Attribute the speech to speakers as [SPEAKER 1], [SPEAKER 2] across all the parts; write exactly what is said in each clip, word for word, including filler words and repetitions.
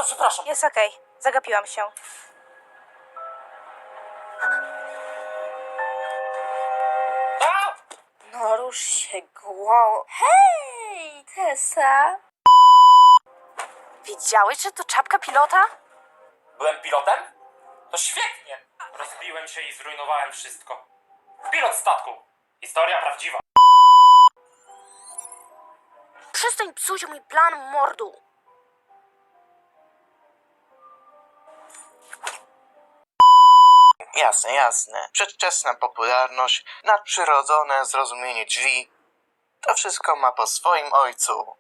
[SPEAKER 1] przepraszam.
[SPEAKER 2] Jest okej, zagapiłam się.
[SPEAKER 1] A!
[SPEAKER 2] No rusz się, głową. Hej, Tessa! Widziałeś, że to czapka pilota?
[SPEAKER 1] Byłem pilotem? To świetnie. Rozbiłem się i zrujnowałem wszystko. Pilot statku. Historia prawdziwa.
[SPEAKER 2] Przestań psuć mój plan mordu.
[SPEAKER 3] Jasne, jasne. Przedwczesna popularność, nadprzyrodzone zrozumienie drzwi. To wszystko ma po swoim ojcu.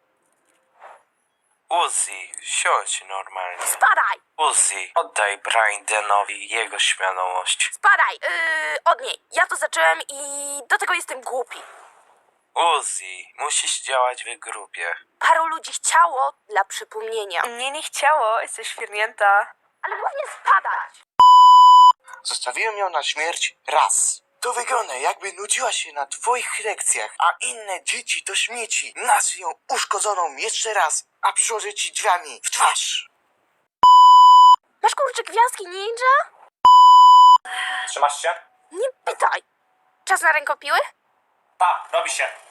[SPEAKER 4] Uzi, siądź normalnie.
[SPEAKER 2] Spadaj!
[SPEAKER 4] Uzi, oddaj Brandenowi jego śmiałość.
[SPEAKER 2] Spadaj! Yy, od niej. Ja to zacząłem i do tego jestem głupi.
[SPEAKER 4] Uzi, musisz działać w grupie.
[SPEAKER 2] Paru ludzi chciało dla przypomnienia.
[SPEAKER 5] Mnie nie chciało, jesteś świrnięta.
[SPEAKER 2] Ale głównie spadać.
[SPEAKER 3] Zostawiłem ją na śmierć raz. To wygląda, jakby nudziła się na twoich lekcjach, a inne dzieci to śmieci. Nazwij ją uszkodzoną jeszcze raz, a przyłożę ci drzwiami w twarz.
[SPEAKER 2] Masz kurczę gwiazdki ninja?
[SPEAKER 1] Trzymasz się?
[SPEAKER 2] Nie pytaj. Czas na rękopiły?
[SPEAKER 1] Tak, robi się.